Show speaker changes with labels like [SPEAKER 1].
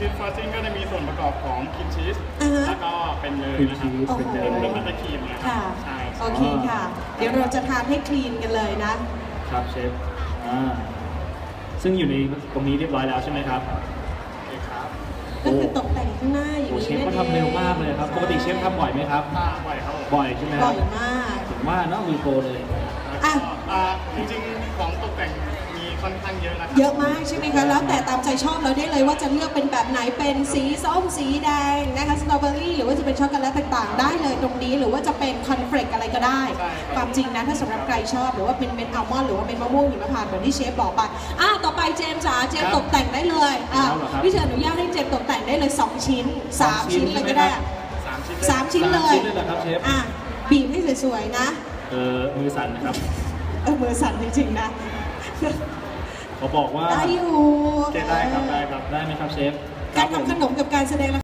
[SPEAKER 1] ชีสฟรอสติ้งก็จะมีส่วนประกอบของครีมชีสแล้วก็เป็นเนยนะครับเป็นบัตเตอร์ครีมนะครับ
[SPEAKER 2] ค่ะ
[SPEAKER 1] ใช่
[SPEAKER 2] โอเคค่ะ เดี๋ยวเราจะทานให้คลีนกันเลยนะครับ
[SPEAKER 3] เชฟซึ่งอยู่ในตรงนี้เรียบร้อยแล้วใช่ไหมครับ
[SPEAKER 1] โอเคครับ
[SPEAKER 2] ก็คือตกแต่งข้างหน้าอย่าง
[SPEAKER 3] โอ้
[SPEAKER 2] นี้
[SPEAKER 3] เชฟก็ทำเร็วมากเลยครับปกติเชฟทำบ่อยไหมครับ
[SPEAKER 1] บ่อยครับผม
[SPEAKER 3] บ่อยใช่ไหมค
[SPEAKER 2] บ่
[SPEAKER 3] รั
[SPEAKER 2] อบ ยมาก
[SPEAKER 3] ผมว่าเนาะมือโปรเลย
[SPEAKER 2] อ่ะ
[SPEAKER 1] จริงๆของตกแต่งมีค่อนข้างเยอะนะครั
[SPEAKER 2] เยอะมากใช่ไหมคะ แล้วแต่ตามใจชอบเราได้เลยว่าจะเลือกเป็นแบบไหน เป็นสีส้ม สีแดงนะคะสตรอเบอรี่หรือว่าจะเป็นช็อกโกแลตต่างๆ ได้เลยตรงนี้ หรือว่าจะเป็นคอนเฟลกอะไรก็ได้ ความจริงนะถ้าสำหรับใครชอบหรือว่าเป็นเม็ดอัลมอนด์หรือว่าเป็นมะม่วงหิมพานต์แบบที่เชฟบอกไปต่อไปเจมส์จ๋าเจมส์ตกแต่งได้เลยพี่เชิญอนุญาตให้เจมส์ตกแต่งได้เลย2 ชิ้น 3 ชิ้นเลยก็ได้ 3 ชิ้นเลย
[SPEAKER 3] 3 ชิ้นเลยเหรอครับเชฟ
[SPEAKER 2] บีบให้สวยๆนะ
[SPEAKER 3] มือสั่นนะครับ
[SPEAKER 2] มือสั่นจริงๆนะ
[SPEAKER 3] เขาบอกว่า
[SPEAKER 2] ได้อยู่
[SPEAKER 1] โอเคได้ครับได้ครับ
[SPEAKER 3] ได้ไหมครับเชฟ
[SPEAKER 2] การทำขนมกับการแสดงละ